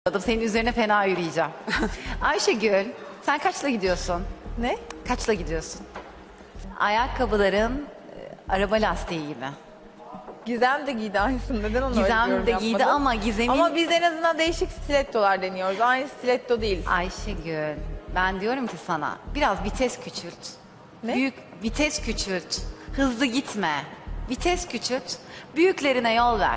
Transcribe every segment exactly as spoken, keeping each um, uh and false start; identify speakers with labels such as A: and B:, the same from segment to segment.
A: Senin üzerine fena yürüyeceğim. Ayşegül, sen kaçla gidiyorsun?
B: Ne?
A: Kaçla gidiyorsun? Ayakkabıların e, araba lastiği gibi.
B: Gizem de giydi aynısını. Neden onu öyle
A: Gizem
B: yorum
A: de giydi
B: yapmadın?
A: ama Gizem'in...
B: Ama biz en azından değişik stilettolar deniyoruz. Aynı stiletto değil.
A: Ayşegül, ben diyorum ki sana biraz vites küçült.
B: Ne?
A: Büyük vites küçült. Hızlı gitme. Vites küçült. Büyüklerine yol ver.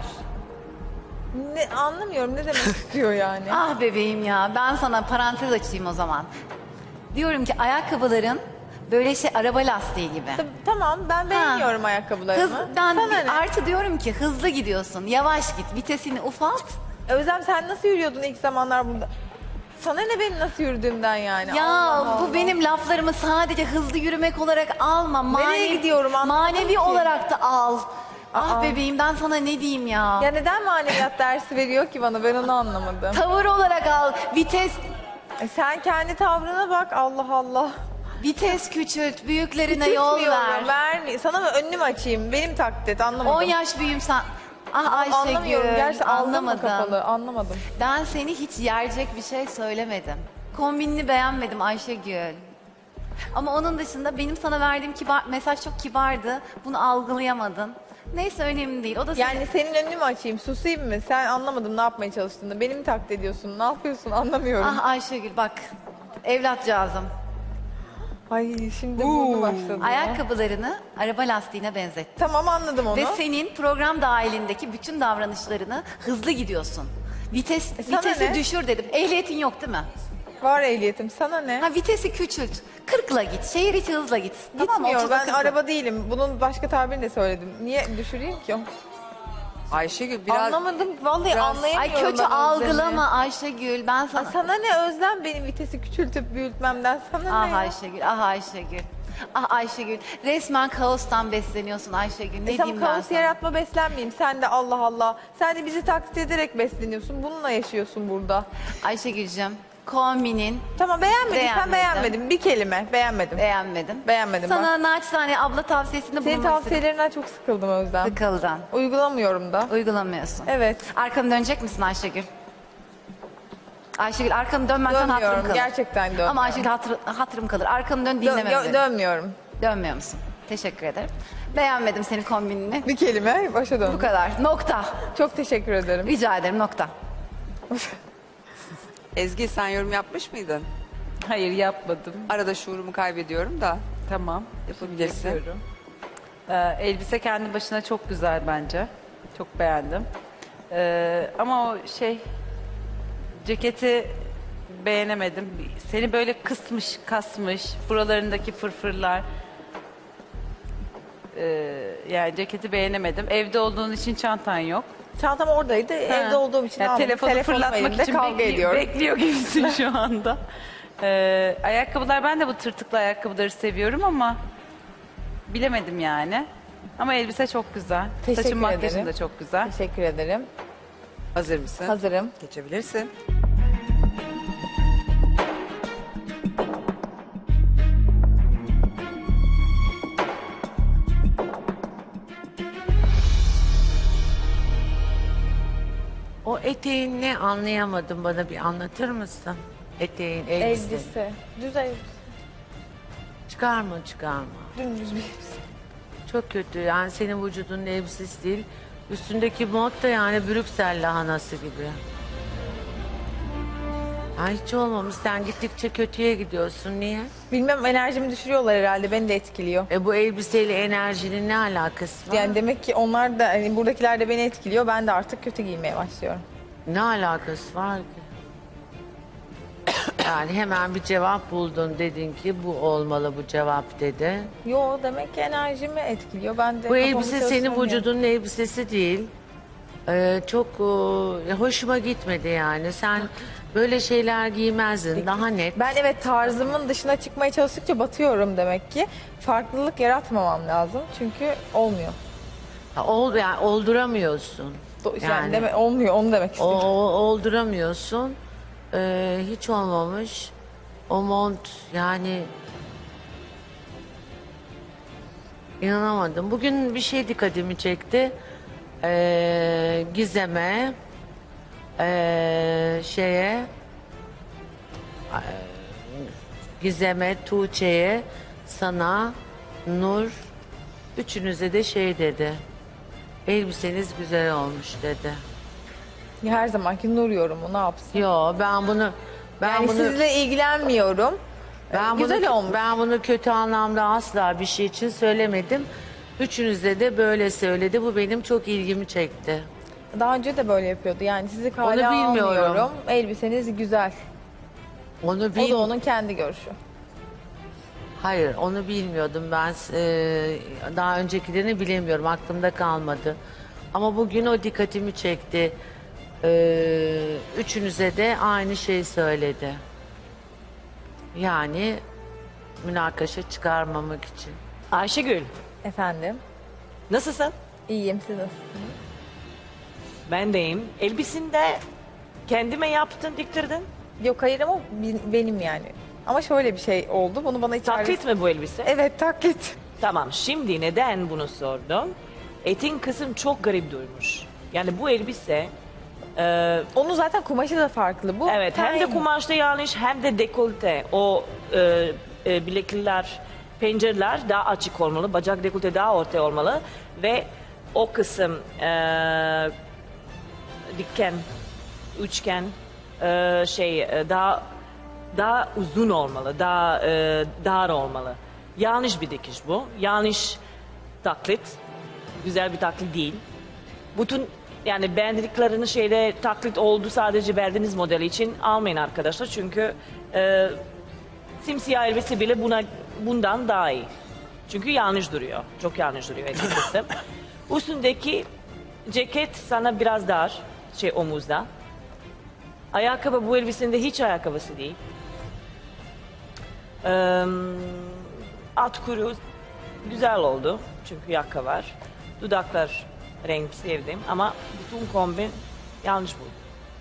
B: Ne, anlamıyorum ne demek istiyor yani.
A: Ah bebeğim ya, ben sana parantez açayım o zaman. Diyorum ki ayakkabıların böyle şey araba lastiği gibi.
B: Tab- Tamam ben beğeniyorum
A: Ha.
B: ayakkabılarımı.
A: Hız, ben
B: Sana
A: bir-
B: ne?
A: artı diyorum ki hızlı gidiyorsun, yavaş git, vitesini ufalt.
B: Özlem sen nasıl yürüyordun ilk zamanlar burada? Sana ne benim nasıl yürüdüğümden yani?
A: Ya
B: Allah
A: bu
B: Allah.
A: benim laflarımı sadece hızlı yürümek olarak alma.
B: Nereye gidiyorum anlamadım
A: Manevi
B: ki.
A: olarak da al. Ah
B: Aa.
A: bebeğim ben sana ne diyeyim ya.
B: Ya neden maneviyat dersi veriyor ki bana ben onu anlamadım.
A: Tavır olarak al. Vites
B: E sen kendi tavrına bak Allah Allah.
A: vites küçült, büyüklerine yol
B: Küçültmüyorum,
A: ver.
B: vermi- Sana mı önümü açayım? Benim taklit et anlamadım.
A: on yaş büyüğüm sen. Ah Ayşegül,
B: Anlamıyorum gerçekten aldım mı
A: anlamadım.
B: kapalı anlamadım.
A: Ben seni hiç yerecek bir şey söylemedim. Kombinini beğenmedim Ayşegül. Ama onun dışında benim sana verdiğim kibar, mesaj çok kibardı. Bunu algılayamadın. Neyse önemli değil. O da senin-
B: Yani senin önünü mü açayım susayım mı? Sen anlamadım ne yapmaya çalıştığını. Beni mi taklit ediyorsun? Ne yapıyorsun anlamıyorum.
A: Ah Ayşegül bak. Evlatcağızım.
B: Ay şimdi bunu başladı. ya.
A: Ayakkabılarını araba lastiğine benzettim.
B: Tamam anladım onu.
A: Ve senin program dahilindeki bütün davranışlarını hızlı gidiyorsun. Vites,
B: E sana
A: vitesi
B: ne?
A: düşür dedim. Ehliyetin yok değil mi?
B: Var ehliyetim sana ne?
A: Ha vitesi küçült. kırkla git. Şehir içi hızla git. Tamam mı?
B: Gitmiyor
A: otuza
B: ben
A: kırkla.
B: araba değilim. Bunun başka tabirini de söyledim. Niye düşüreyim ki?
C: Ayşegül biraz
B: Anlamadım vallahi
C: biraz-
B: anlayamıyorum.
A: Ay kötü
B: ben Özlem'i.
A: algılama Ayşegül. Ben
B: Aa,
A: sana...
B: sana ne Özlem benim vitesi küçültüp büyütmemden sana
A: Ah
B: ne? ya?
A: Ayşegül, ah Ayşegül. Ah Ayşegül. Resmen kaostan besleniyorsun Ayşegül. Ne
B: E tamam
A: diyeyim ben
B: kaos
A: sana?
B: yaratma beslenmeyeyim. Sen de Allah Allah. Sen de bizi taklit ederek besleniyorsun. Bununla yaşıyorsun burada.
A: Ayşegül'cüm kombinin
B: Tamam beğenmedin. Sen
A: Beğenmedim.
B: beğenmedin. Bir kelime beğenmedim.
A: beğenmedim.
B: Beğenmedim ben.
A: Sana naçizane abla tavsiyesinde
B: Senin
A: bulunmak istedim.
B: tavsiyelerinden çok sıkıldım Özlem.
A: Sıkıldan.
B: Uygulamıyorum da.
A: Uygulamıyorsun.
B: Evet.
A: Arkanı dönecek misin Ayşegül? Ayşegül arkanı dönmezsen hatırım
B: Dönmüyorum.
A: kalır.
B: Gerçekten dönmüyorum.
A: Ama Ayşegül hatır, hatırım kalır. Arkanı dön
B: Dö-
A: dinleme
B: yo-
A: beni.
B: dönmüyorum.
A: Dönmüyor musun? Teşekkür ederim. Beğenmedim senin kombinini.
B: Bir kelime başa döndüm.
A: Bu kadar. Nokta.
B: Çok teşekkür ederim.
A: Rica ederim nokta.
C: Ezgi sen yorum yapmış mıydın?
D: Hayır yapmadım.
C: Arada şuurumu kaybediyorum da
D: Tamam.
C: yapabilirsin.
D: Yapıyorum. Ee, elbise kendi başına çok güzel bence. Çok beğendim. Ee, ama o şey ceketi beğenemedim. Seni böyle kısmış, kasmış. Buralarındaki fırfırlar. Ee, yani ceketi beğenemedim. Evde olduğun için çantan yok.
B: Çantam oradaydı. Evde olduğum için
D: Yani
B: almadım.
D: telefonu
B: Telefonum
D: fırlatmak
B: elimde,
D: için
B: kavga
D: bekli-
B: ediyorum.
D: bekliyor gibisin şu anda. Ee, ayakkabılar ben de bu tırtıklı ayakkabıları seviyorum ama bilemedim yani. Ama elbise çok güzel.
B: Teşekkür
D: Saçın makyajın
B: ederim.
D: da çok güzel.
B: Teşekkür ederim.
C: Hazır mısın?
B: Hazırım.
C: Geçebilirsin.
E: O eteğin ne anlayamadım, bana bir anlatır mısın? Eteğin, elbise.
B: Elbise. Düz elbise.
E: Çıkarma çıkarma.
B: Dümdüz bir elbise.
E: Çok kötü yani, senin vücudunun elbisesi değil. Üstündeki mod da yani Brüksel lahanası gibi. Ha, hiç olmamış, sen gittikçe kötüye gidiyorsun, niye?
B: Bilmem enerjimi düşürüyorlar herhalde. Beni de etkiliyor.
E: E bu elbiseyle enerjinin ne alakası var?
B: Yani demek ki onlar da hani buradakiler de beni etkiliyor. Ben de artık kötü giymeye başlıyorum.
E: Ne alakası var ki? Yani hemen bir cevap buldun, dedin ki bu olmalı bu cevap dedi.
B: Yo demek ki enerjimi etkiliyor. Ben de
E: Bu
B: kafamı
E: elbise senin
B: çalıştıramıyorum.
E: vücudunun elbisesi değil. Ee, çok e, hoşuma gitmedi yani. Sen böyle şeyler giymezdin. Daha net.
B: Ben evet tarzımın dışına çıkmaya çalıştıkça batıyorum demek ki. Farklılık yaratmamam lazım. Çünkü olmuyor.
E: Ha, Ol, yani olduramıyorsun.
B: Do- Yani,
E: Yani.
B: deme, olmuyor onu demek
E: O,
B: istiyorum.
E: o- olduramıyorsun. Ee, hiç olmamış. O mont yani inanamadım. Bugün bir şey dikkatimi çekti. Ee, Gizem'e Ee, şeye e, Gizem'e, Tuğçe'ye, sana, Nur, üçünüze de şey dedi. Elbiseniz güzel olmuş dedi.
B: Her zamanki Nur yorumu ne yapsın?
E: Yo, ben bunu ben
B: Yani
E: bunu
B: sizle ilgilenmiyorum.
E: ben
B: Güzel
E: bunu,
B: olmuş.
E: Ben bunu kötü anlamda asla bir şey için söylemedim. Üçünüzde de böyle söyledi. Bu benim çok ilgimi çekti.
B: Daha önce de böyle yapıyordu. Yani sizi kale
E: Onu bilmiyorum.
B: almıyorum. Elbiseniz güzel.
E: Onu
B: O
E: bil
B: da onun kendi görüşü.
E: Hayır, onu bilmiyordum ben. Eee, daha öncekilerini bilemiyorum. Aklımda kalmadı. Ama bugün o dikkatimi çekti. Eee, üçünüze de aynı şeyi söyledi. Yani münakaşa çıkarmamak için.
F: Ayşegül,
B: Efendim?
F: nasılsın?
B: İyiyim, siz nasılsınız?
F: Ben deyim. Elbisini de kendime yaptın, diktirdin.
B: Yok hayır ama bi- benim yani. Ama şöyle bir şey oldu. Bunu bana içeride...
F: Taklit mi bu elbise?
B: Evet, taklit.
F: Tamam, şimdi neden bunu sordum? Etin kısım çok garip durmuş. Yani bu elbise, e,
B: Onun zaten kumaşı da farklı. Bu
F: evet hem de
B: ten.
F: kumaşta yanlış hem de dekolte. O e, e, bilekliler, pencereler daha açık olmalı, bacak dekolte daha ortaya olmalı. Ve o kısım e, dikken, üçgen e, şey e, daha daha uzun olmalı, daha e, dar olmalı. Yanlış bir dikiş bu. Yanlış taklit. Güzel bir taklit değil. Bütün yani beğendiklerini şeyde taklit oldu sadece verdiğiniz model için almayın arkadaşlar. Çünkü e, simsiyah elbise bile buna bundan daha iyi. Çünkü yanlış duruyor. Çok yanlış duruyor açıkçası. Üstündeki ceket sana biraz dar, şey omuzda. Ayakkabı bu elbisinde hiç ayakkabısı değil. Ee, at kuyruğu güzel oldu çünkü yaka var. Dudaklar renk sevdim ama bütün kombin yanlış buldum.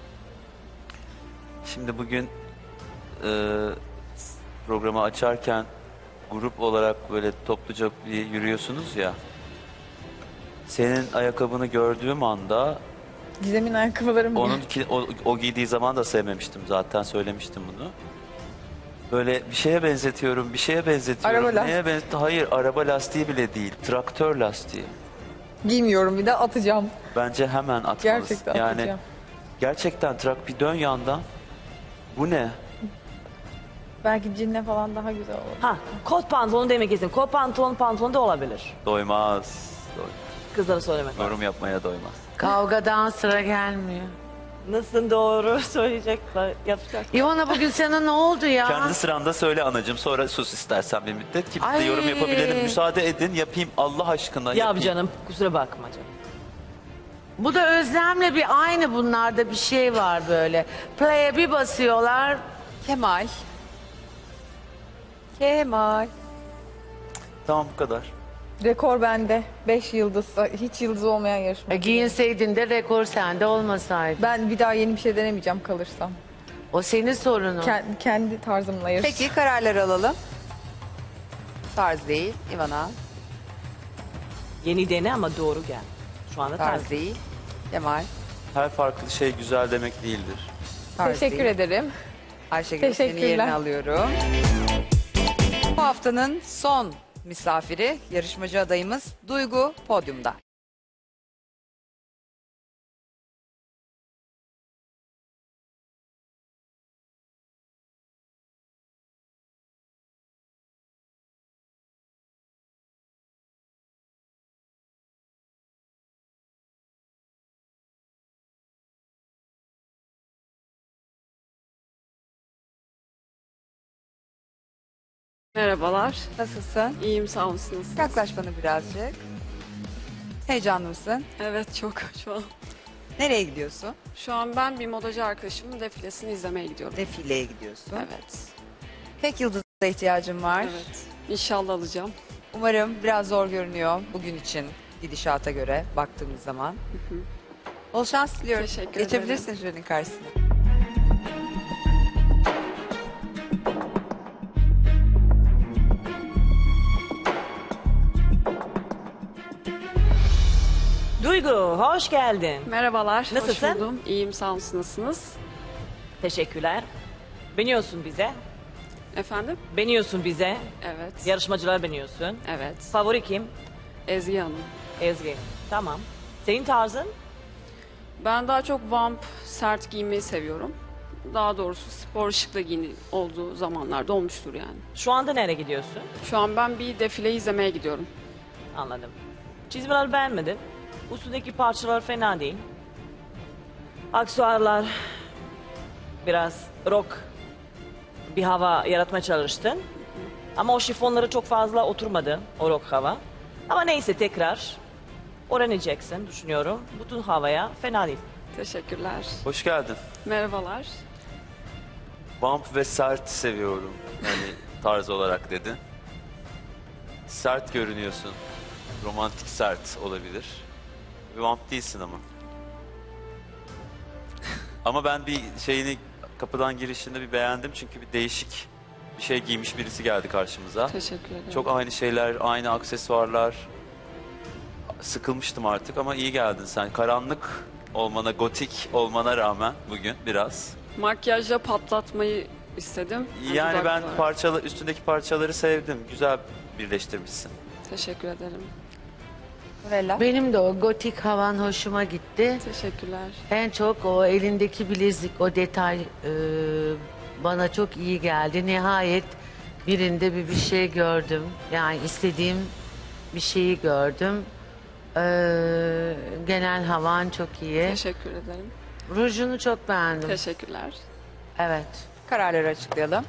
G: Şimdi bugün e, programı açarken grup olarak böyle topluca bir yürüyorsunuz ya. Senin ayakkabını gördüğüm anda
B: Gizem'in ayakkabıları mı?
G: onun ki- o, o giydiği zaman da sevmemiştim zaten, söylemiştim bunu. Böyle bir şeye benzetiyorum, bir şeye benzetiyorum.
B: Araba
G: Neye benzet- Hayır, araba lastiği bile değil, traktör lastiği.
B: Giymiyorum, bir de atacağım.
G: Bence hemen atmalısın.
B: Gerçekten
G: yani
B: atacağım.
G: gerçekten trak bir dön yandan. Bu ne?
B: Belki cinle falan daha güzel olur.
F: Ha, kot pantolon demek istedim. Kot pantolon pantolon da olabilir.
G: Doymaz. Doy-
F: Kızlara söylemek lazım.
G: Yorum yapmaya doymaz.
E: Kavgadan sıra gelmiyor.
F: Nasıl doğru söyleyecekler, yapacak.
E: İvana bugün sana ne oldu ya?
G: Kendi sıranda söyle anacığım, sonra sus istersen bir müddet ki biz de
E: Ay.
G: yorum yapabilelim. Müsaade edin, yapayım Allah aşkına
F: Yap
G: yapayım.
F: canım, kusura bakma canım.
E: Bu da Özlem'le bir aynı, bunlarda bir şey var böyle. Play'e bir basıyorlar.
C: Kemal. Kemal.
G: Tamam, bu kadar.
B: Rekor bende. Beş yıldız. Hiç yıldız olmayan yarışma.
E: E, giyinseydin de rekor sende olmasaydı.
B: Ben bir daha yeni bir şey denemeyeceğim kalırsam.
E: O senin sorunun.
B: Kendi, kendi tarzımla yarışacağım.
C: Peki kararları alalım. Tarz değil. Ivana.
F: Yeni dene ama doğru gel. Şu anda
C: Tarz
F: tarz.
C: değil. Kemal.
G: Her farklı şey güzel demek değildir.
C: Tarz
B: Teşekkür
C: değil.
B: ederim.
C: Ayşegül, seni
B: Teşekkürler.
C: yerine alıyorum. Bu haftanın son misafiri, yarışmacı adayımız Duygu podyumda.
H: Merhabalar.
C: Nasılsın?
H: İyiyim, sağ olsunuz.
C: Yaklaş bana birazcık. Heyecanlı mısın?
H: Evet, çok şu an.
C: Nereye gidiyorsun?
H: Şu an ben bir modacı arkadaşımın defilesini izlemeye gidiyorum.
C: Defileye gidiyorsun.
H: Evet.
C: Tek yıldıza ihtiyacım var.
H: Evet. İnşallah alacağım.
C: Umarım biraz zor görünüyor bugün için gidişata göre baktığımız zaman. Bol şans diliyorum.
H: Teşekkür
C: Geçebilirsin jürinin karşısına.
F: Duygu Duygu, hoş geldin.
H: Merhabalar.
F: Nasılsın?
H: Hoş buldum. İyiyim, sağ olun. Siz nasılsınız?
F: Teşekkürler. Beniyorsun bize.
H: Efendim?
F: Beniyorsun bize.
H: Evet.
F: Yarışmacılar beniyorsun.
H: Evet.
F: Favori kim?
H: Ezgi Hanım.
F: Ezgi. Tamam. Senin tarzın?
H: Ben daha çok vamp, sert giymeyi seviyorum. Daha doğrusu spor şıkla giyini olduğu zamanlarda olmuştur yani.
F: Şu anda nereye gidiyorsun?
H: Şu an ben bir defile izlemeye gidiyorum.
F: Anladım. Çizmeler beğenmedim. Üstündeki parçalar fena değil. Aksesuarlar biraz rock bir hava yaratmaya çalıştın. Ama o şifonları çok fazla oturmadı o rock hava. Ama neyse tekrar öğreneceksin düşünüyorum. Bütün havaya fena değil.
H: Teşekkürler.
G: Hoş geldin.
H: Merhabalar.
G: Vamp ve sert seviyorum. Yani tarz olarak dedi. Sert görünüyorsun. Romantik sert olabilir. Vamp değilsin ama. Ama ben bir şeyini kapıdan girişinde bir beğendim çünkü bir değişik bir şey giymiş birisi geldi karşımıza.
H: Teşekkür ederim.
G: Çok aynı şeyler, aynı aksesuarlar. Sıkılmıştım artık ama iyi geldin sen. Karanlık olmana, gotik olmana rağmen bugün biraz.
H: Makyajla patlatmayı istedim.
G: Yani ben
H: Dudaklar.
G: parçalı, üstündeki parçaları sevdim. Güzel birleştirmişsin.
H: Teşekkür ederim.
B: Nurella.
E: Benim de o gotik havan hoşuma gitti.
H: Teşekkürler.
E: En çok o elindeki bilezik, o detay e, bana çok iyi geldi. Nihayet birinde bir bir şey gördüm. Yani istediğim bir şeyi gördüm. E, genel havan çok iyi.
H: Teşekkür ederim.
E: Rujunu çok beğendim.
H: Teşekkürler.
E: Evet.
C: Kararları açıklayalım.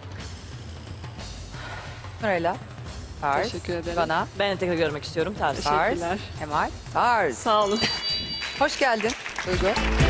C: Nurella. Tarz.
H: Teşekkür ederim.
C: Bana.
F: Ben de tekrar görmek istiyorum tarzı.
C: Tarz.
H: Teşekkürler.
C: Kemal. Tarz.
H: Sağ olun.
C: Hoş geldin Duygu.